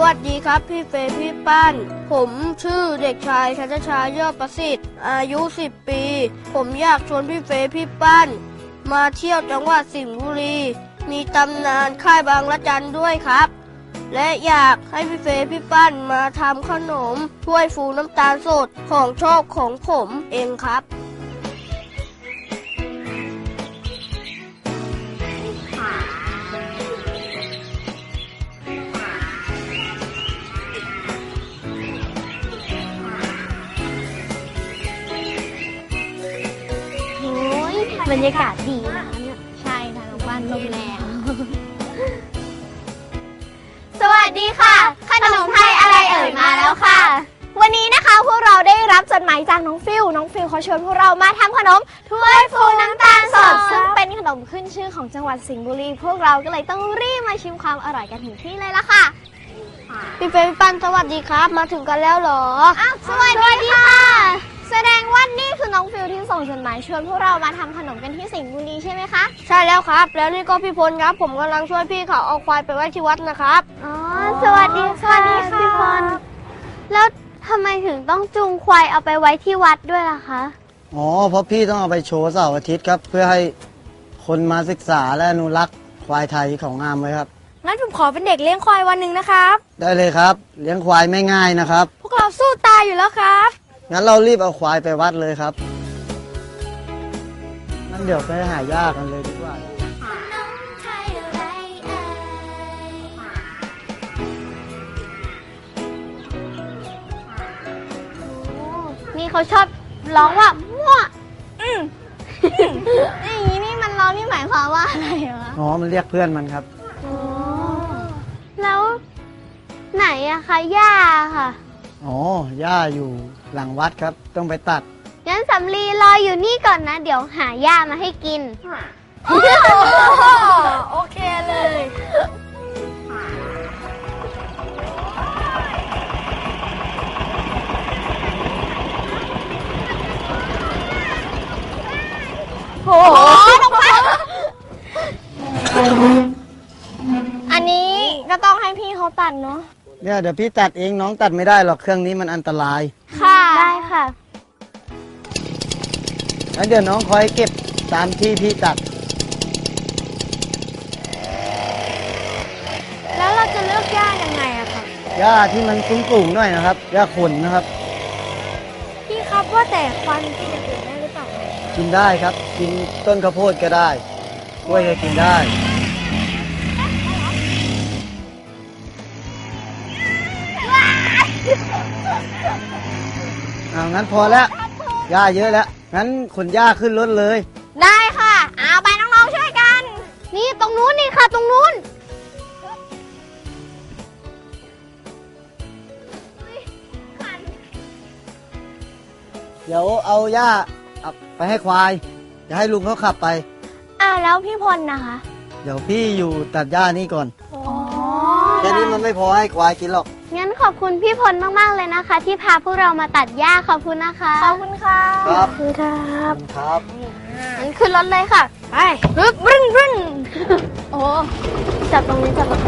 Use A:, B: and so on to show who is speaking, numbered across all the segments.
A: วัสดีครับพี่เฟย์พี่ปั้นผมชื่อเด็กชายชัชชายอดประสิทธิ์อายุ10 ปีผมอยากชวนพี่เฟย์พี่ปั้นมาเที่ยวจังหวัดสิงห์บุรีมีตำนานค่ายบางละจันด้วยครับและอยากให้พี่เฟย์พี่ปั้นมาทำขนมถ้วยฟูน้ำตาลสดของชอบของผมเองครับ
B: บรรยากาศดีนะคะเนี่ยใช่ค่ะน้องบ้านลมแรงสวัสดีค่ะขนมไทยอะไรเอ่ยมาแล้วค่ะวันนี้นะคะพวกเราได้รับจดหมายจากน้องฟิลเขาชวนพวกเรามาทำขนมถ้วยฟูน้ำตาลสดซึ่งเป็นขนมขึ้นชื่อของจังหวัดสิงห์บุรีพวกเราก็เลยต้องรีบมาชิมความอร่อยกันถึงที่เลยล่ะค่ะ
A: พี่เฟย์พี่ปั้นสวัสดีครับมาถึงกันแล้วเหรอ
B: สวัสดีค่ะแสดงว่านี่คือน้องฟิลที่ส่งจดหมายชวนพวกเรามาทำขนมกันที่สิงห์บุรีใช่ไหมคะ
A: ใช่แล้วครับแล้วนี่ก็พี่พลครับผมกำลังช่วยพี่เขาเอาควายไปไว้ที่วัดนะครับ
B: สวัสดีค่ะพี่พลแล้วทำไมถึงต้องจูงควายเอาไปไว้ที่วัดด้วยล่ะคะ
C: เพราะพี่ต้องเอาไปโชว์เสาร์อาทิตย์ครับเพื่อให้คนมาศึกษาและอนุรักษ์ควายไทยของงามไว้ครับ
D: งั้นผมขอเป็นเด็กเลี้ยงควายวันหนึ่งนะครับ
C: ได้เลยครับเลี้ยงควายไม่ง่ายนะครับ
D: พวกเราสู้ตายอยู่แล้วครับ
C: งั้นเรารีบเอาควายไปวัดเลยครับงั้นเดี๋ยวไปหาย่ากันเลยดีกว่า
B: นี่เขาชอบร้องว่ามั่วอย่างนี้นี่มันร้องนี่หมายความว่าอะไรวะ
C: มันเรียกเพื่อนมันครับ
B: แล้วไหนอะคะย่าค่ะ
C: ย่าอยู่หลังวัดครับต้องไปตัด
B: งั้นสำลีรออยู่นี่ก่อนนะเดี๋ยวหาย่ามาให้กิน
D: โอเคเลย
B: โอ้โหอันนี้ก็ต้องให้พี่เขาตัดเนาะ
C: เนี่ยเดี๋ยวพี่ตัดเองน้องตัดไม่ได้หรอกเครื่องนี้มันอันตราย
B: ค่ะได้ค่ะ
C: งั้นเดี๋ยวน้องคอยเก็บตามที่พี่ตัด
D: แล้วเราจะเลือกหญ้ายังไงอะคะ
C: หญ้าที่มันสูงๆหน่อยนะครับหญ้าขนนะครับ
D: พี่ครับว่าแต่ควายกินอย่างอื่นได้หรือเปล่า
C: กินได้ครับกินต้นข้าวโพดก็ได้กล้วยก็กินได้งั้นพอแล้วหญ้าเยอะแล้วงั้นขนหญ้าขึ้นรถเลย
B: ได้ค่ะเอาไปน้องๆช่วยกันนี่ตรงนู้นนี่ค่ะตรงนู้น
C: เดี๋ยวเอาหญ้าไปให้ควายจะให้ลุงเขาขับไป
B: แล้วพี่พลนะคะ
C: เดี๋ยวพี่อยู่ตัดหญ้านี่ก่อนแค่นี้มันไม่พอให้ควายกินหรอก
B: งั้นขอบคุณพี่พลมากๆเลยนะคะที่พาพวกเรามาตัดหญ้าขอบคุณนะคะ
D: ขอบคุณค่ะ
C: ขอบ
B: คุณครับ
C: ครับ
B: งั้นขึ้นรถเลยค่ะ
D: ไปบึ้น
B: โอ้จับตรงนี้จับ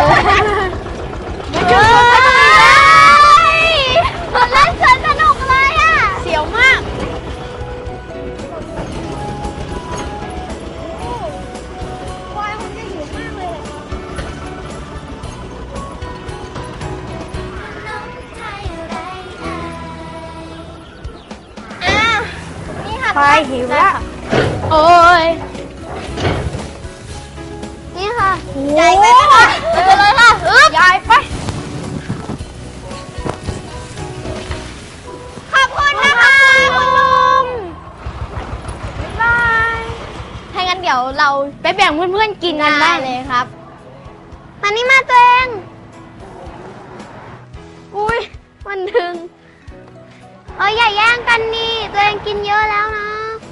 B: มันเล่นสนุกเลยอ่ะ
D: เสียวมากควายคงจะหิวมากเลย
B: นี่ค่ะ
D: ควายหิวแล้วโอ้ย
B: นี่ค่ะใหญ่ไปค่ะไปเลยค่ะ
D: ใหญ่ไป
B: ขอบคุณนะคะคุณลุงบ๊ายบายถ้างั้นเดี๋ยวเรา
D: ไปแบ่งเพื่อนๆกินกันได้เลยครับ
B: มานี่มาตัวเองอุ้ยมันดึงอย่าแย่งกันนี่ตัวเองกินเยอะแล้วนะ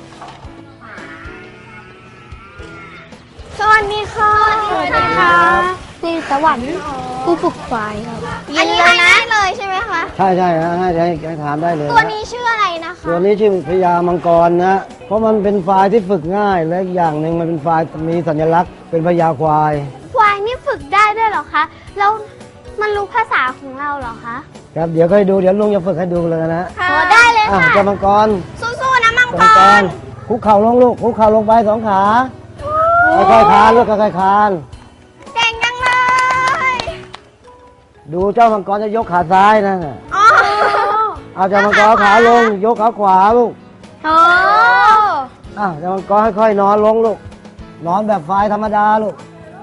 D: สวัสดีค่ะ
B: สวัสดีค่ะ
D: นี่สวรรค์ผู้ฝึกควายครับ
B: อันนี้ให้ได้เลยใช่ไหมคะ
C: ใช่ให้ถามได้เลย
B: ตัวนี้ชื่ออะไรนะคะ
C: ตัวนี้ชื่อพญามังกรนะเพราะมันเป็นควายที่ฝึกง่ายและอีกอย่างหนึ่งมันเป็นควายมีสัญลักษณ์เป็นพญาควาย
B: นี่ฝึกได้ด้วยเหรอคะแล้ว
D: มันรู้ภาษาของเราเหรอคะ
C: ครับเดี๋ยวค่อยดูเดี๋ยวลุงจะฝึกให้ดูเลยนะ
B: โอ้ได้เลย
C: อ่ะ
B: ค่ะ
C: เจ้ามังกร
B: สู้ๆนะมัง
C: เจ้าก มังก
B: ร
C: รคุกเข่าลงลูกคุกเข่าลงไปสองขาค่อยๆคลานลูกค่อยๆคลาน
B: เก่งจังเลย
C: ดูเจ้ามังกรจะยกขาซ้ายนะ
B: อ๋อ
C: เอาเจ้ามังกรเอาขาลงยกขาขวาลูก
B: โอ้
C: เจ้ามังกรค่อยๆนอนลงลูกนอนแบบควายธรรมดาลูก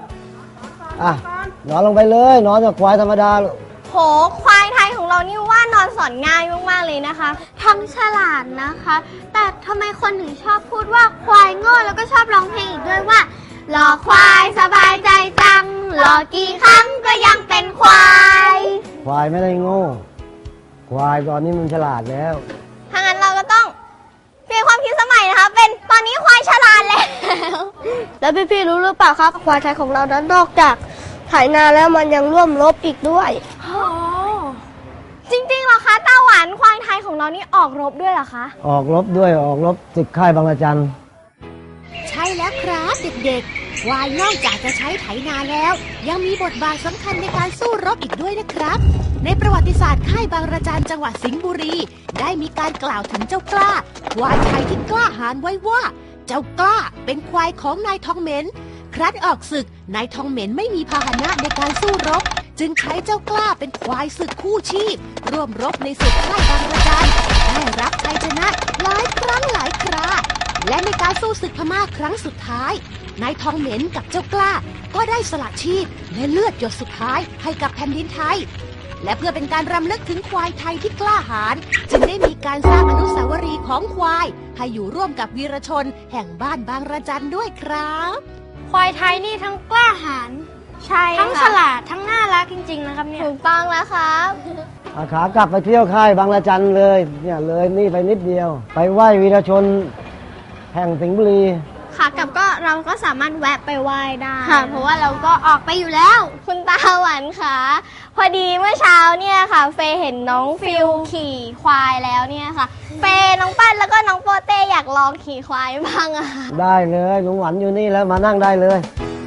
C: นอนลงไปเลยนอนแบบควายธรรมดาลูก
B: โหควายไทยของเรานี่ว่านอนสอนง่ายมากๆเลยนะคะ
D: ทั้งฉลาดนะคะ แต่ทำไมคนถึงชอบพูดว่าควายโง่แล้วก็ชอบร้องเพลงอีกด้วยว่ารอควายสบายใจจังรอกี่ครั้งก็ยังเป็นควาย
C: ควายไม่ได้โง่ควายตอนนี้มันฉลาดแล้ว
B: ถ้างั้นเราก็ต้องเปลี่ยนความคิดสมัยนะคะ เป็นตอนนี้ควายฉลาดแล้ว
A: แล้วพี่ๆรู้หรือเปล่าครับควายไทยของเรานั้นนอกจากไถนาแล้วมันยังร่วมรบอีกด้วย
B: จริงๆเหรอคะตาหวานควายไทยของเรานี่ออกรบด้วยเหรอคะ
C: ออกรบด้วยออกรบศึกค่ายบางระจัน
E: ใช่แล้วครับเด็กๆควายนอกจากจะใช้ไถนาแล้ว ยังมีบทบาทสำคัญในการสู้รบอีกด้วยนะครับ ในประวัติศาสตร์ค่ายบางระจันจังหวัดสิงห์บุรี ได้มีการกล่าวถึงเจ้ากล้าควายไทยที่กล้าหาญไว้ว่า เจ้ากล้าเป็นควายของนายทองเหม็นครั้นออกศึกนายทองเหม็นไม่มีพาหนะในการสู้รบ จึงใช้เจ้ากล้าเป็นควายศึกคู่ชีพ ร่วมรบในศึกค่ายบางระจันได้รับชัยชนะหลายครั้งหลายครา และในการสู้ศึกพม่าครั้งสุดท้ายนายทองเหม็นกับเจ้ากล้าก็ได้สละชีพและเลือดหยดสุดท้ายให้กับแผ่นดินไทย และเพื่อเป็นการรำลึกถึงควายไทยที่กล้าหาญจึงได้มีการสร้างอนุสาวรีย์ของควายให้อยู่ร่วมกับวีรชนแห่งบ้านบางระจันด้วยครับ
D: ควายไทยนี่ทั้งกล้าหาญ
B: ใช่
D: ทั้งฉ
B: ค่ะ
D: ลาดทั้งน่ารักจริงๆนะครับเนี่ย
B: ถูกต้องแล้วครับ
C: ขากลับไปเที่ยวค่ายบางระจันเลยเนี่ยเลยนี่ไปนิดเดียว ไปไหว้วีรชนแห่งสิงห์บุรี
B: ค่ะกลับก็เราก็สามารถแวะไปไหว้ได้
D: ค่ะ เพราะว่าเราก็ออกไปอยู่แล้ว
B: คุณตาหวานค่ะพอดีเมื่อเช้าเนี่ยค่ะ เฟย์เห็นน้องฟิลขี่ควายแล้วเนี่ยค่ะ เฟย์น้องปั้นแล้วก็น้องโปเต้อยากลองขี่ควายบ้างอะค่ะ
C: ได้เลยลุงหวันอยู่นี่แล้วมานั่งได้เลย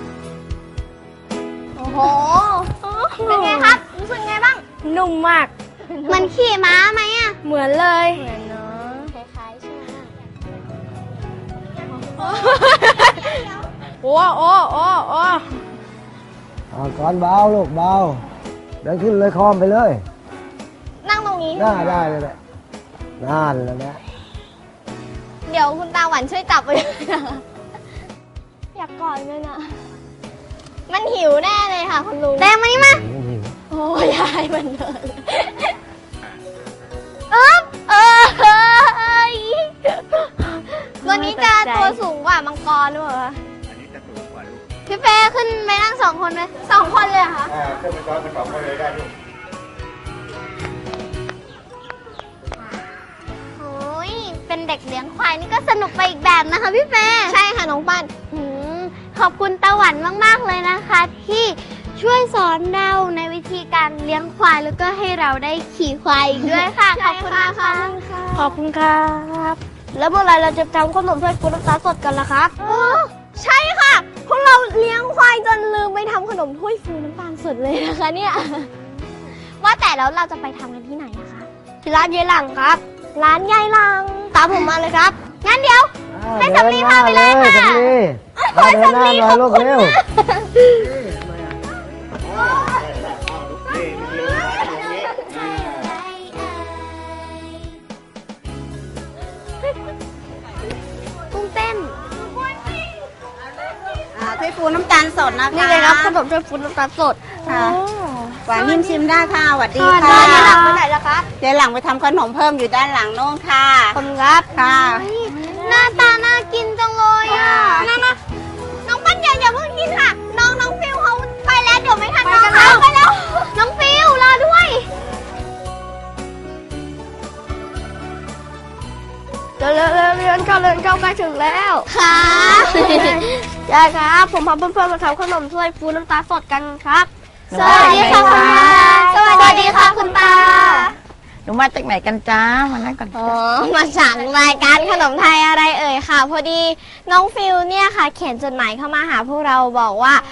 B: โอ้โห เป็นไงครับ รู้สึกไงบ้าง
D: นุ่มมาก
B: มันขี่ม้าไหมอะ
D: เหมือนเลย
B: เหมือนเนาะคล้ายๆใช่ไหม
D: โอ้โอ้โอ้โอ้
C: ก่อนเบาลูกเบาเดินขึ้นเลยคอมไปเลย
B: นั่งตรงนี้
C: ได้เลยแหละนั่นแหละนะ
B: เดี๋ยวคุณตาหวานช่วยจับไปด้วยนะคะอยากกอดมันอะมันหิวแน่เลยค่ะคุณลุง
D: แดงมานี่มา
C: หิว
B: โอ้ยยายมันเลย วันนี้จะตัวสูงกว่ามังกรด้วยเหรอ
F: อันนี้จะสูงกว่าลูก
B: พี่เป้ขึ้นไปนั่ง2 คนไหม2 คนเลยเหรอคะ
F: เครื่องเป็นซ้อนเป็นสองคนเลยได้ลูก
D: โอ้ยเป็นเด็กเลี้ยงควายนี่ก็สนุกไปอีกแบบนะคะพี่เฟย์
B: ใช่ค่ะน้องปั้น
D: ขอบคุณตาหวันมากๆเลยนะคะ ที่ช่วยสอนเราในวิธีการเลี้ยงควายแล้วก็ให้เราได้ขี่ควายอีกด้วยค่ะ ขอบคุณนะคะ
A: ขอบคุณครับ แล้วเมื่อไหรเราจะทำขนมถ้วยฟูน้ำตาลสดกันล่ะครับ
B: ใช่ค่ะ พวกเราเลี้ยงควายจนลืมไปทำขนมถ้วยฟูน้ำตาลสดเลยนะคะเนี่ย ว่าแต่แล้วเราจะไปทำกันที่ไหนนะคะ
A: ที่ร้านเยหลังครับ
B: ร้านยายลัง
A: ตามผมมาเลยครับ
B: งั้นเดี๋ยว ให้สำลีพาไปเลยค่ะ
C: สำลีเดินหน้าหน่อยลูกเร็ว
B: กุ้งเต้น
G: ถ้วยฟูน้ำตาลสดนะคะ
A: นี่เลยครับขนมถ้วยฟูน้ำตาลสด
G: ค่ะหวานนิ่มชิมได้ค่ะสวัสดี
A: ร้าน
G: ค่ะ
A: เยหลังไปไหนล่ะครับ
G: เดี๋ยวหลังไปทำขนมเพิ่มอยู่ด้านหลังโน้นค่ะ
A: ขอบคุณครับ
G: ค่ะ
B: หน้าตาน่ากินจังเลยอ่ะนะน้องปั้นอย่าเพิ่งกินค่ะ น้องฟิวเขาไปแล้วเดี๋ยวไม่ทันน้องเขาไปแล้ว น้องฟิวรอด้วย
A: เรียนเข้าใกล้ถึงแล้ว
B: ค่ะ
A: ยายครับ ผมพาเพื่อนๆมาทำขนมถ้วยฟูน้ำตาลสดกันครับ
B: สวัสดีค่ะคุณตาสวัสดีค่ะคุณตา
H: หนูมาจากไหนกันจ้ามานั่งก่อน
B: อ๋อ มาจากรายการขนมไทยอะไรเอ่ยค่ะ พอดีน้องฟิวเนี่ยค่ะ เขียนจดหมายเข้ามาหาพวกเราบอกว่า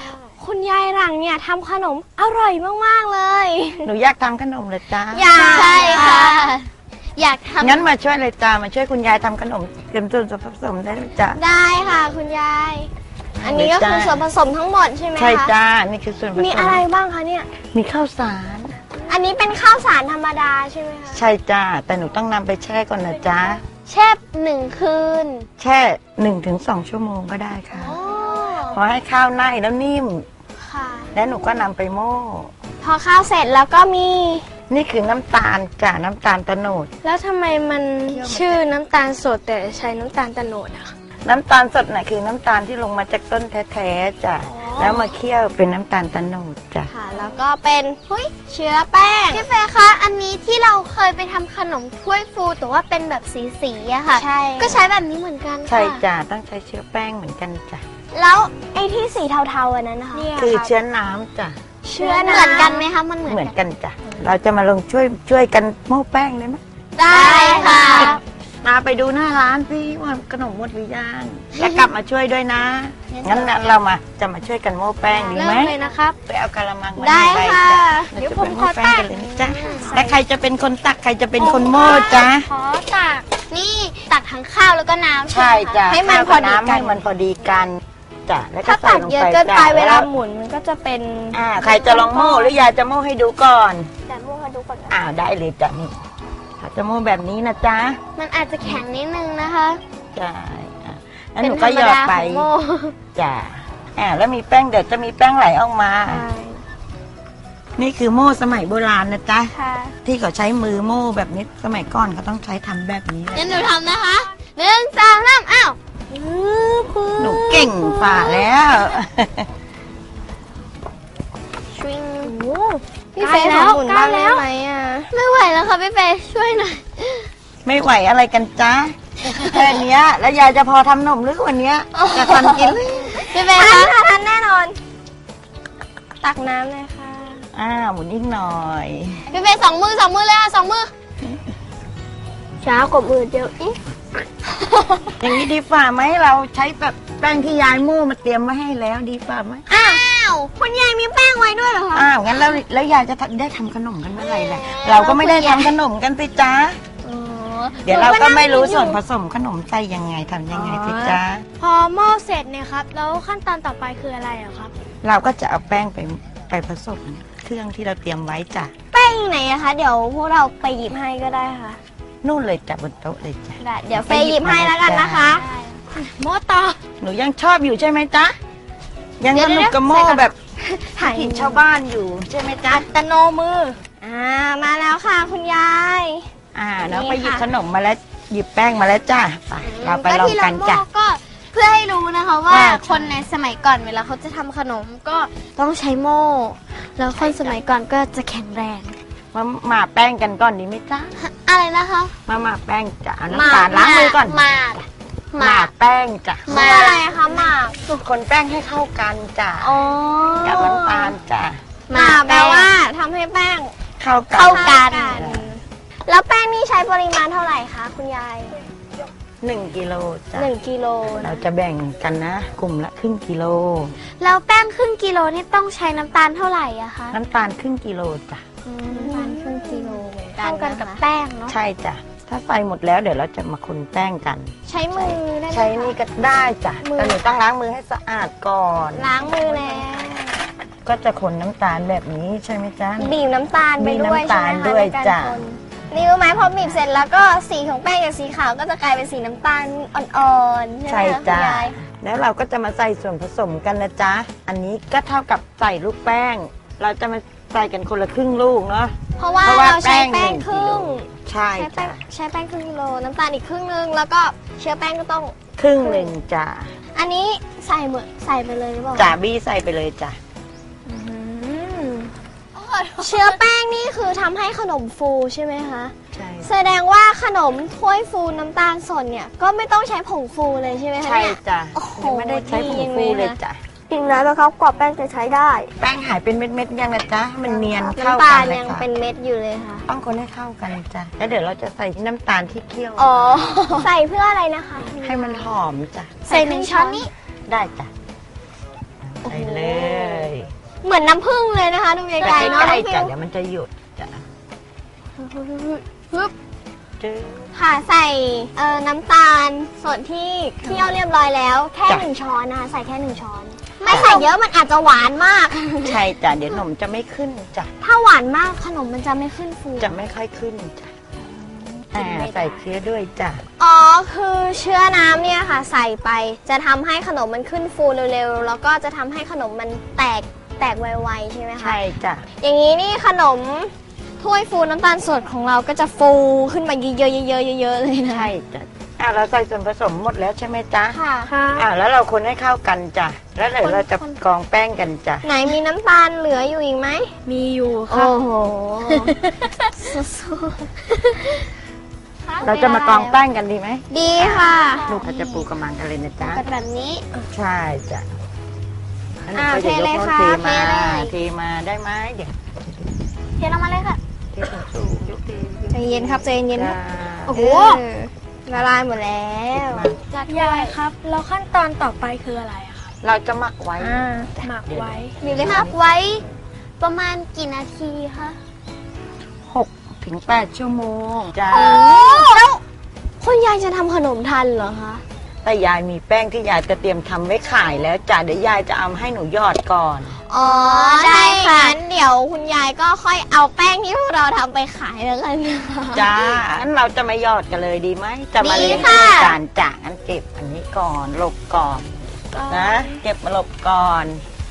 B: คุณยายหลังเนี่ยทำขนมอร่อยมากๆเลย
H: หนูอยากทำขนมเลยจ้า
B: อยากใช่ค่ะ อยากทำ
H: งั้นมาช่วยเลยจ้ามาช่วยคุณยายทำขนมเตรียมส่วนผสมได้เลยจ้า
B: ได้ค่ะคุณยาย อันนี้ก็คือส่วนผสมทั้งหมดใช่ไหมคะ
H: ใช่จ้านี่คือส่วนผสม
B: มีอะไรบ้างคะเนี่ย
H: มีข้าวสาร
B: อันนี้เป็นข้าวสารธรรมดาใช่ไหมคะ
H: ใช่จ้าแต่หนูต้องนำไปแช่ก่อนนะจ้า
B: แช่1 คืน
H: แช่1-2 ชั่วโมงก็ได้ค่ะพอให้ข้าวไหม้แล้วนิ่ม
B: ค่ะ
H: แล้วหนูก็นำไปโม่
B: พอข้าวเสร็จแล้วก็มี
H: นี่คือน้ำตาลจ้ะน้ำตาลโตโนด
A: แล้วทำไมมันชื่อน้ำตาลสดแต่ใช้น้ำตาลโตโนดอะคะ
H: น้ำตาลสดน่ะคือน้ำตาลที่ลงมาจากต้นแท้ๆจ้ะแล้วมาเคี่ยวเป็นน้ำตาลโตโนดจ้ะ
B: ค่ะ แล้วก็เป็นเชื้อแป้ง
D: พี่เฟย์คะอันนี้ที่เราเคยไปทำขนมถ้วยฟูแต่ว่าเป็นแบบสีๆอะค่ะ
B: ใช่
D: ก็ใช้แบบนี้เหมือนกันค่ะ
H: ใช่จ้ะต้องใช้เชื้อแป้งเหมือนกันจ้ะ
B: แล้วไอ้ที่สีเทาๆอันนั้นนะคะ
H: คือเชื้อน้ำจ้ะ
B: เชื้อ
D: เหมือนกันไหมคะมันเหมือน
H: เหมือน
D: กัน
H: กันจ้ะเราจะมาลงช่วยกันโม่แป้งได้ไหม
B: ได้ค่ะ
H: มาไปดูหน้าร้านพี่ว่าขนมหมดหรือยังแล้วกลับมาช่วยด้วยนะงั้นเราจะมาช่วยกันโม่แป้งดีไหม
A: เริ่มเลยนะครับ
H: ไปเอากะละมังมา
B: ได้
H: ใบ
B: ค่ะ
H: จ้ะ
B: เดี๋ยว
H: รา
B: ผม
H: จะ
B: ขอ
H: ไปโม่แป้ง
B: ตัก
H: กันเลยนะจ๊ะและใครจะเป็นคนตักใครจะเป็นคนโม่จ๊ะ
D: ขอตักนี่ตักทั้งข้าวแล้วก็น้ำ
H: ใช่
D: ไหมคะ
H: จ้ะ
B: ให้มันพอดีกัน
H: ให้มันพอดีกันจ้ะแล้วก็
B: ถ้า
H: ใส่
B: ตัก
H: ลง
B: เยอะ
H: ไป
B: เกินไป
H: จ้ะ
B: เวลา
H: แ
B: หมุนมันก็จะเป็น
H: ใครจะลองโม่หรือยายจะโม่ให้ดูก่อน
B: แต่พวกเขาดูก่อนนะ
H: ได้เลยจ้ะนี่เขาจะโม่แบบนี้นะจ๊ะ
D: มันอาจจะแข็งนิดนึงนะคะ
H: ใช่แล้วหนูก็หยอดไป
B: เป็นธรรมดาของโม่
H: จ้ะแล้วมีแป้งเดี๋ยวจะมีแป้งไหลออกมา นี่คือโม่สมัยโบราณนะจ๊ะ
B: ค่ะ
H: ที่เขาใช้มือโม่แบบนี้สมัยก่อนเขาต้องใช้ทำแบบนี้แหละ
D: งั้นหนูทำนะคะ1 2 3อ้าว
H: หนูเก่งฝ่าแล้ว
D: ชิง
B: พี่เฟย์ขอหมุนบ้างได้ไหมอ่ะ
D: ไม่ไหวแล้วค่ะพี่เฟย์ช่วยหน่อย
H: ไม่ไหวอะไรกันจ๊ะแค่เนี้ยแล้วยายจะพอทำนมหรือวันเนี้ยจะทันกินหรือ
D: พี่เฟย์
B: ทั
D: คะ
B: นค่ะทันแน่นอน ตักน้ำเลยค่ะ
H: หมุนอีกหน่อย
D: พี่เฟย์2 มือเลยค่ะ2 มือ
B: ช้ากว่ามือเดียวอีก
H: อย่างนี้ดีฝ่าไหมเราใช้แบบแป้งที่ยายโม่มาเตรียมไว้ให้แล้วดีฝ่าไหม
D: อ้าว
B: คุณยายมีแป้งไว้ด้วยเหรอคะ
H: งั้นแล้วยายจะได้ทำขนมกันเมื่อไหร่ล่ะเราก็ไม่ได้ทำขนมกันสิจ๊ะเดี๋ยวเราก็ไม่รู้ส่วนผสมขนมใส่ยังไงทำยังไงสิจ๊ะ
A: พอหม้อเสร็จเนี่ยครับ แล้วขั้นตอนต่อไปคืออะไรอะครับ
H: เราก็จะเอาแป้งไปผสมเครื่องที่เราเตรียมไว้จ้ะ
B: แป้งอยู่ไหนอะคะ เดี๋ยวพวกเราไปหยิบให้ก็ได้ค่ะ
H: นู่นเลยจ้ะบนโต๊ะเลยจ้ะ
B: ได้เดี๋ยวเฟย์หยิบให้แล้วกันนะคะ
A: หม้อต่อ
H: หนูยังชอบอยู่ใช่ไหมจ๊ะยังสนุกกับโม่แบบ
B: ถ่าย
H: ถิ่นชาวบ้านอยู่ใช่ไหมจ๊ะ
A: ตะโนมือ
B: มาแล้วค่ะคุณยาย
H: น้องไปหยิบขนมมาแล้วหยิบแป้งมาแล้วจ้ะไปเราไปลองกันจ้ะ
D: ที่เราโม่ก็เพื่อให้รู้นะคะว่า
H: ว่า
D: คนในสมัยก่อนเวลาเขาจะทำขนมก็ต้องใช้โม่ แล้วคนสมัยก่อนก็จะแข็งแรง
H: มาหมาแป้งกันก่อนดีไหมจ๊ะ
D: อะไรนะคะ
H: มาหมาแป้งจ้ะเอาน้ำตาลล้างมือก่อน
D: หมาก
H: หมาแป้งจ้ะ
D: หมาก
B: อะไรคะหมาก
H: คนแป้งให้เข้ากันจ้ะ
B: อ๋อ
H: กับน้ำตาลจ้ะ
B: หมากแปลว่าทำให้แป้ง
H: เข้ากัน
B: เข้ากัน แล้วแป้งนี่ใช้ปริมาณเท่าไหร่คะคุณยาย
H: 1 กิโลจ้ะ
B: 1 กิโล
H: เราจะแบ่งกันนะกลุ่มละครึ่งกิโล
D: แล้วแป้งครึ่งกิโลนี่ต้องใช้น้ำตาลเท่าไหร่อะคะ
H: น้ำตาลครึ่งกิโลจ้ะ
D: น้ำตาลครึ่งกิโลเหมือนกัน
B: เท่ากันกับ
D: นะคะ
B: แป้งเนาะ
H: ใช่จ้ะถ้าใส่หมดแล้วเดี๋ยวเราจะมาคนแป้งกัน
B: ใช้มือได้ไหม
H: ใช้นี่ก็ได้จ้ะแต่หนูต้องล้างมือให้สะอาดก่อน
B: ล้างมือแล้ว
H: ก็จะคนน้ำตาลแบบนี้ใช่ไหมจ๊ะ
B: บีบน้ำตาลไปด้วย
H: บีบน้ำตาล
B: ใช่ไหมคะ
H: ด้วย
B: ในการ
H: จ้ะ
B: คนนี่รู้ไหมพอบีบเสร็จแล้วก็สีของแป้งจากสีขาวก็จะกลายเป็นสีน้ำตาลอ่อนๆใช่ไหม
H: ใช่
B: คะ
H: จ้ะ
B: คุณยาย
H: แล้วเราก็จะมาใส่ส่วนผสมกันนะจ๊ะอันนี้ก็เท่ากับใส่ลูกแป้ง เราจะมาใส่กันคนละครึ่งลูกเนาะ
B: เพราะว่า
H: เพราะว่า
B: เราใช้แป้ง
H: แป้ง
B: ครึ่ง
H: ใช่
B: ใช้แป้
H: จ้ะ
B: งใช้แป้งครึ่งกิโลน้ำตาลอีกครึ่งนึงแล้วก็เชื้อแป้งก็ต้อง
H: ครึ่งหนึ่งจ้ะ
B: อันนี้ใส่ใส่ไปเลยหรือเปล่า
H: จ่าบี้ใส่ไปเลยจ้ะ
B: เชื้อแป้งนี่คือทำให้ขนมฟูใช่ไหมคะ
H: ใช่
B: แสดงว่าขนมถ้วยฟูน้ำตาลสดเนี่ยก็ไม่ต้องใช้ผงฟูเลยใช่ไหมคะ
H: ใช่
B: เนี่ย
H: จ้ะ
B: โอ้โห
H: ไม่ได้ใช้ผงฟูเลยจ้ะ
B: จริงแล้วนะครับกรอบแป้งจะใช้ได้
H: แป้งหายเป็นเม็ดๆยังนะจ๊ะมันเนียนเข้า
B: น้ำตา
H: กั
B: ล
H: นเลย
B: ยัง
H: ค่ะ
B: เป็นเม็ดอยู่เลยค่ะ
H: ต้องคนให้เข้ากันจ้ะแล้วเดี๋ยวเราจะใส่น้ำตาลที่เคี่ยว
B: อ๋อ ใส่เพื่ออะไรนะคะ
H: ให้มันหอมจ้ะ
B: ใส่1 ช้อนนี้
H: ได้จ้ะใส่เลย
B: มือนน้ำผึ้งเลยนะคะดูไกลๆเนาะ
H: ใก
B: น้
H: ล้
B: องฟิ
H: ๆจ้ะ
B: ว
H: เดี๋ยวมันจะหยุดจ้ะ
B: ฮึบ
H: จื้อ
B: ค่ะใส่น้ำตาลส่วนที่เคี่ยวเรียบร้อยแล้วแค่
H: จ้ะ
B: 1 ช้อนนะคะใส่แค่1 ช้อน ไม่ใส่เยอะมันอาจจะหวานมาก
H: ใช่จ้ะเดี๋ยวขนมจะไม่ขึ้นจ้ะ
B: ถ้าหวานมากขนมมันจะไม่ขึ้นฟู
H: จะไม่ค่อยขึ้นจ้ะใส่เชื้อด้วยจ้ะ
B: อ๋อคือเชื้อน้ำเนี่ยค่ะ ใส่ไปจะทำให้ขนมมันขึ้นฟูเร็วๆแล้วก็จะทำให้ขนมมันแตกไวๆใช่ไหมคะ
H: ใช่จ้ะ
B: อย่างนี้นี่ขนมถ้วยฟูน้ำตาลสดของเราก็จะฟูขึ้นมาเยอะๆเยอะๆเยอะๆเลยนะ
H: ใช่จ้ะเราใส่ส่วนผสมหมดแล้วใช่ไหมจ๊ะ
B: ค่ะ
H: แล้วเราคนให้เข้ากันจ้ะแล้วเดี๋ยวเราจะกรองแป้งกันจ้ะ
B: ไหนมีน้ำตาลเหลืออยู่อีกไหม
A: มีอยู่ค่ะ
B: โอ้โห
H: เราจะมากรองแป้งกันดีไหม
B: ดีค่ะ
H: ลูกเขาจะปูกระมังกันเลยนะจ๊ะ
B: กันแบบนี้
H: ใช่จ้ะ
B: เทเลยค่ะ
H: เท
B: เท
H: มา
B: เลย
H: เทมาได้ไหมเดี๋ยว
B: เทลงมาเลยค่ะ
H: เทสูงๆยกเท
B: ใจเย็นครับใจเย็น
H: จ้ะ
B: โอ้โหละลายหมดแล้ว
A: ยายครับ แล้วขั้นตอนต่อไปคืออะไรอะครับ
H: เราจะหมักไว้
A: หมักไว้
B: มีเลยค่ะไว้ประมาณกี่นาทีคะ
H: 6 ถึง 8 ชั่วโมงจ้ะ
B: แล้วคุณยายจะทำขนมทันเหรอคะ
H: แต่ยายมีแป้งที่ยายจะเตรียมทำไว้ขายแล้วจ้ะเดี๋ยวยายจะเอาให้หนูหยอดก่อน
B: อ๋อได้ค่ะงั้นเดี๋ยวคุณยายก็ค่อยเอาแป้งที่พวกเราทำไปขายแล้วกันนะคะ
H: จ้างั้นเราจะมาหยอดกันเลยดีไหมจะมาเลี้ยง
B: ดีค่ะ
H: จานจ่างั้นเก็บอันนี้ก่อนหลบก่อนนะเก็บมาหลบก่อน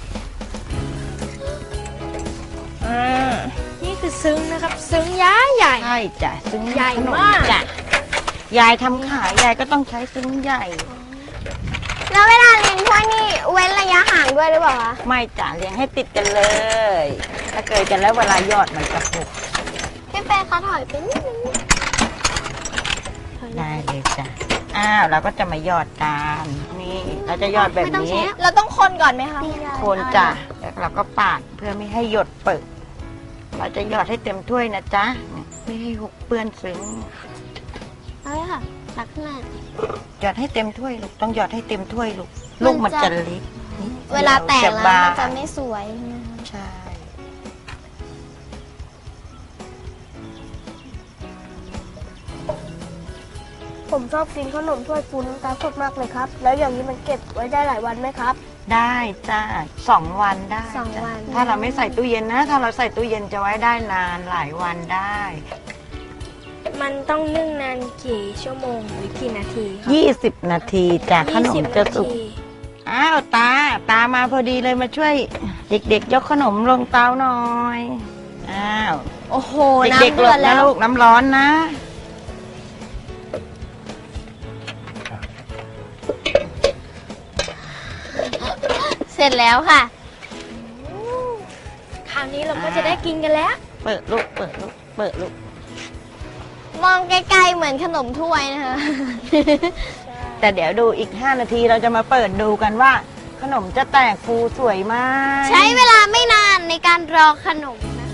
A: นี่คือซึ้งนะครับ ซึ้งย้ายใหญ่
H: ใช่จ้ะซึ้ง
A: ใหญ่
H: ขน
A: มาก
H: จ้ะยายทำขายยายก็ต้องใช้ซึ้งใหญ่
B: แล้วเวลาเลี้ยงถ้วยนี่เว้นระยะห่างด้วยหรือเปล่าคะ
H: ไม่จ้ะเลี้ยงให้ติดกันเลย ถ้าเกิดกันแล้วเวลาหยอดมันจะหก
B: พี่เป้คะถอยไปนิดนึง
H: ได้เลยจ้ะเราก็จะมาหยอดกันนี่เราจะหยอดแบบนี้
B: เราต้องคนก่อนไหมคะณยาย
H: คนจ้ะแล้วเราก็ปาดเพื่อไม่ให้หยดเปิดเราจะหยอดให้เต็มถ้วยนะจ๊ะไม่ให้หกเปื้อนซึ้ง
B: เอาเลยค่ะตักขึ้นมา
H: หยอดให้เต็มถ้วยลูกต้องหยอดให้เต็มถ้วยลูกลูกมันจะเล็กนิดดีย
B: เวลาแตกแล้ว
H: บา
B: มัน
H: ง
B: จะไม่สวยใช่ไหมคะ
H: ใช่
A: ผมชอบกินขนมถ้วยฟูน้ำตาลสดมากเลยครับ แล้วอย่างนี้มันเก็บไว้ได้หลายวันไหมครับ
H: ได้จ้า2 วันได้
B: สอง
H: จ้ะ
B: วัน
H: ถ้าเราไม่ใส่ตู้เย็นนะ ถ้าเราใส่ตู้เย็นจะไว้ได้นานหลายวันได้
A: มันต้องนึ่งนานกี่ชั่วโมงหรือกี่นาทีครับ
H: 20 นาทีจ้ะขนมจะสุก อ้าวตามาพอดีเลยมาช่วย เด็กๆ ยกขนมลงเตาหน่อยอ้าว
B: โอ้โห
H: เด็ก
B: น้ำ
H: ๆหล
B: เดือบ ด
H: นะ
B: แล้ว
H: ลูกน้ำร้อนนะ
B: เสร็จแล้วค่ะ
A: คราวนี้เราก็จะได้กินกันแล้ว
H: เปิดลูกเปิดลูกเปิดลูก
B: มองไกลๆเหมือนขนมถ้วยนะคะ
H: แต่เดี๋ยวดูอีก 5 นาทีเราจะมาเปิดดูกันว่า ขนมจะแตกฟูสวยไหม
B: ใช้เวลาไม่นานในการรอขนมนะคะ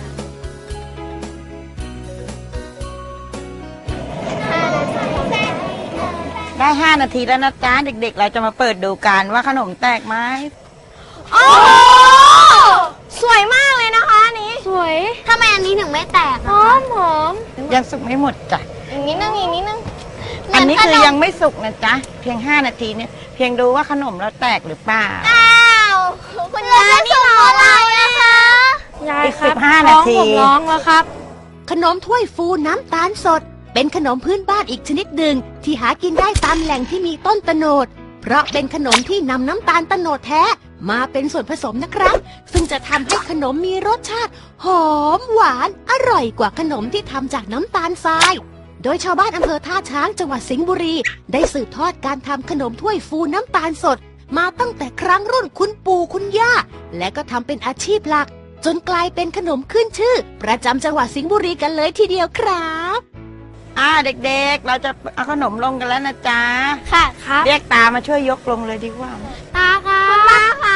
H: ได้ 5 นาทีแล้วนะจ๊ะเด็กๆ เราจะมาเปิดดูกันว่าขนมแตกไหม
B: โอ้สวยมากเลยนะคะอันนี้
A: สวย
B: ทำไมอันนี้ถึงไม่แตก
A: ห
B: อะ
A: อ
B: คะ
A: มหอม
H: ยังสุกไม่หมดจ้ะ
B: อีกนิดนึงอีกนิดนึง
H: อันนี้คือ
B: เหมื
H: ยัง
B: ขม
H: ไม่สุกนะจ๊ะเพียง 5 นาทีเนี่ยเพียงดูว่าขนมเราแตกหรือเปล่า
B: อ้าวคุณยายนี่รอเรานะคะ
A: ยาย
H: อีก
A: ครับ
H: 15 นาที
A: ท้องผมร้องแล้วครับ
E: ขนมถ้วยฟูน้ำตาลสด เป็นขนมพื้นบ้านอีกชนิดหนึ่งที่หากินได้ตามแหล่งที่มีต้นตะโนด เพราะเป็นขนมที่นำน้ำตาลตะโนดแท้มาเป็นส่วนผสมนะครับ ซึ่งจะทำให้ขนมมีรสชาติ หอมหวานอร่อยกว่าขนมที่ทำจากน้ำตาลทราย โดยชาวบ้านอำเภอท่าช้างจังหวัดสิงห์บุรี ได้สืบทอดการทำขนมถ้วยฟูน้ำตาลสด มาตั้งแต่ครั้งรุ่นคุณปู่คุณย่า และก็ทำเป็นอาชีพหลัก จนกลายเป็นขนมขึ้นชื่อ ประจำจังหวัดสิงห์บุรีกันเลยทีเดียวครับ
H: เด็กๆ เราจะเอาขนมลงกันแล้วนะจ๊ะ
B: ค่ะครับ
H: เรียกตามาช่วยยกลงเลยดีกว่า
B: ตาค่ะคุณตาค่ะ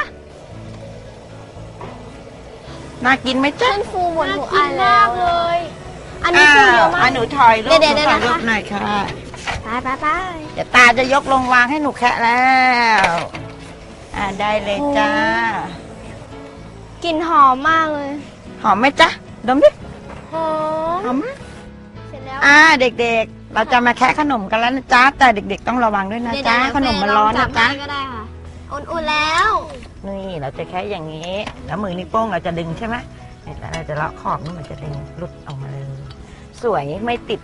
H: น่ากินไหมจ๊ะ
B: ขึ้นฟูหมดทุกอันแล้ว
A: เลย
B: อันนี้ฟูเยอะมาก
H: หนูถอยลูก
B: เดี๋ยว
H: หนูถอย
B: ๆๆ
H: ลูก
B: นะคะ
H: หน่อยค่ะ
B: ไป
H: เดี๋ยวตาจะยกลงวางให้หนูแคะแล้วได้เลยจ้า
B: กลิ่นหอมมากเลย
H: หอมไหมจ๊ะดมดิ
B: หอม
H: หอมไหม
B: เสร็จแล้ว
H: เด็กๆ เราจะมาแคะขนมกันแล้วนะจ๊ะแต่เด็กๆต้องระวังด้วยนะจ๊ะขนมมันร้อนนะจ๊ะ
B: ก็ได้ค่ะ อุ่นๆแล้ว
H: นี่เราจะแค่อย่างนี้ แล้วมือนิ้วโป้งเราจะดึงใช่ไหมแล้วเราจะเลาะขอบนี่มันจะดึงหลุดออกมาเลย สวยไม่ติด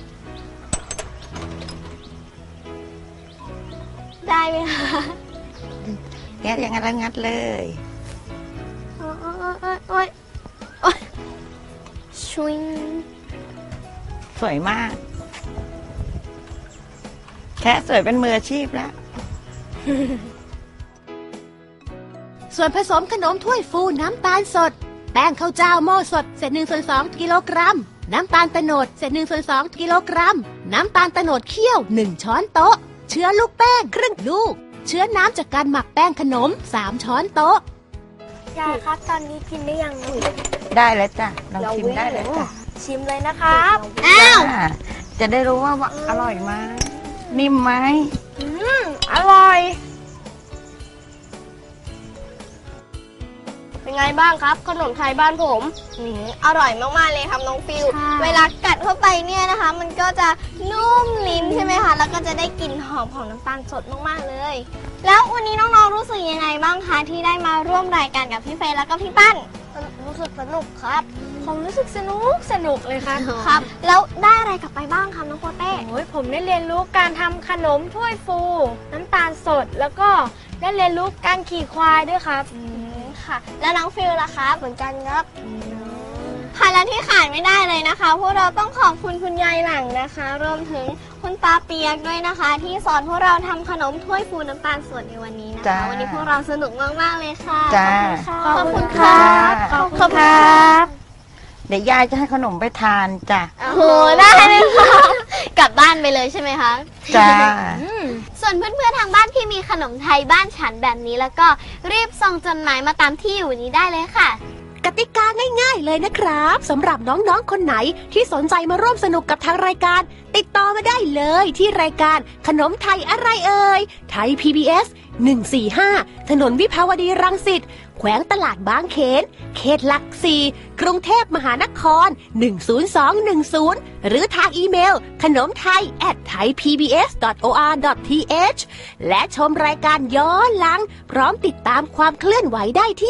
B: ได้ไหมคะ
H: งัดอย่างนั้นแล้วงัดเลย
B: โอ๊ยชุย
H: สวยมาก แค่สวยเป็นมืออาชีพแล้ว
E: ส่วนผสมขนมถ้วยฟูน้ำตาลสด แป้งข้าวเจ้าหม้อสดเศษ1/2 กิโลกรัม น้ำตาลโตนดเศษ1/2 กิโลกรัม น้ำตาลโตนดเคี่ยว1 ช้อนโต๊ะ เชื้อลูกแป้งครึ่งลูก เชื้อน้ำจากการหมักแป้งขนม3 ช้อนโต๊ะ
B: ยายครับตอนนี้กินได้ยัง
H: ได้แล้วจ้ะลองชิมได้เลยจ้ะ
B: ชิมเลยนะครับ
H: จะได้รู้ว่าอร่อยไหมนิ่มไหม
B: อร่อย
A: เป็นไงบ้างครับขนมไทยบ้านผม
B: อร่อยมากๆเลยครับน้องฟิว เวลากัดเข้าไปเนี่ยนะคะ มันก็จะนุ่มลิ้นใช่ไหมคะ แล้วก็จะได้กลิ่นหอมของน้ำตาลสดมากๆเลย แล้ววันนี้น้องๆรู้สึกยังไงบ้างคะที่ได้มาร่วมรายการกับพี่เฟย์แล้วก็พี่ปั้น
A: รู้สึกสนุกครับ
B: ผมรู้สึกสนุกเลยครับ ครับ แล้วได้อะไรกลับไปบ้างครับน้องโปเต้
I: โอ้ยผมได้เรียนรู้การทำขนมถ้วยฟู น้ำตาลสด แล้วก็ได้เรียนรู้การขี่ควายด้วยครับ
B: ค่ะ แล้วน้องฟิลล่ะครับ
A: เหมือนกันครับ
B: ค่ะและที่ขาดไม่ได้เลยนะคะพวกเราต้องขอบคุณคุณยายหลังนะคะ รวมถึงคุณตาเปียกด้วยนะคะ ที่สอนพวกเราทำขนมถ้วยฟูน้ำตาลสดในวันนี้นะ
H: จ้า
B: คะ วันนี้พวกเราสนุกมากๆเลยค่ะ
H: จ้า
B: ขอบคุณค่ะ
H: ขอบคุณครับเดี๋ยวยายจะให้ขนมไปทานจ้ะ
B: โอ้โหได้เลยค่ะกลับบ้านไปเลยใช่ไหมคะ
H: จ้า
B: ส่วนเพื่อนๆทางบ้านที่มีขนมไทยบ้านฉันแบบนี้แล้วก็รีบส่งจดหมายมาตามที่อยู่นี้ได้เลยค่ะ
E: กติกาง่ายๆเลยนะครับสำหรับน้องๆคนไหนที่สนใจมาร่วมสนุกกับทางรายการ ติดต่อมาได้เลยที่รายการขนมไทยอะไรเอ่ยไทย PBS 145 ถนนวิภาวดีรังสิตแขวงตลาดบางเขนเขตหลัก4กรุงเทพมหานคร 10210 หรือทางอีเมลขนมไทย @thaipbs.or.th และชมรายการย้อนหลังพร้อมติดตามความเคลื่อนไหวได้ที่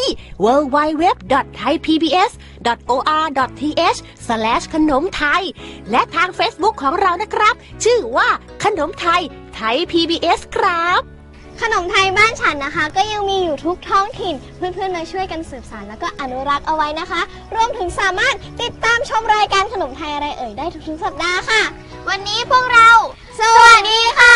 E: www.thaipbs.or.th ขนมไทยและทาง Facebook ของเรานะครับ ชื่อว่าขนมไทยไทย PBS ครับ
B: ขนมไทยบ้านฉันนะคะ ก็ยังมีอยู่ทุกท้องถิ่นเพื่อนๆมาช่วยกันสืบสานแล้วก็อนุรักษ์เอาไว้นะคะ รวมถึงสามารถติดตามชมรายการขนมไทยอะไรเอ่ยได้ทุกๆสัปดาห์ค่ะ วันนี้พวกเรา สวัสดีค่ะ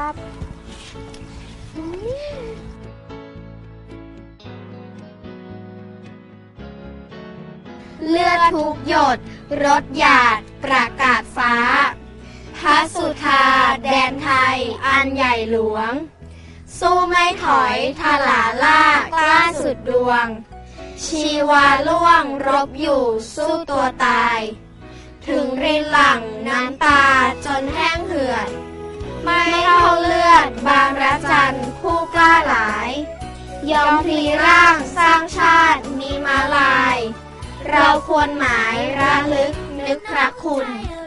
D: เลือดทุกหยดรถหยาดประกาศฟ้าพระสุธาแดนไทยอันใหญ่หลวง สู้ไม่ถอยทลาล่ากล้าสุดดวง ชีวาล่วงรบอยู่สู้ตัวตาย ถึงรินหลั่งน้ำตาจนแห้งเหือด ไม่เท่าเลือดบางระจันผู้กล้าหลาย ยอมพลีร่างสร้างชาติมีมาลาย เราควรหมายระลึกนึกพระคุณ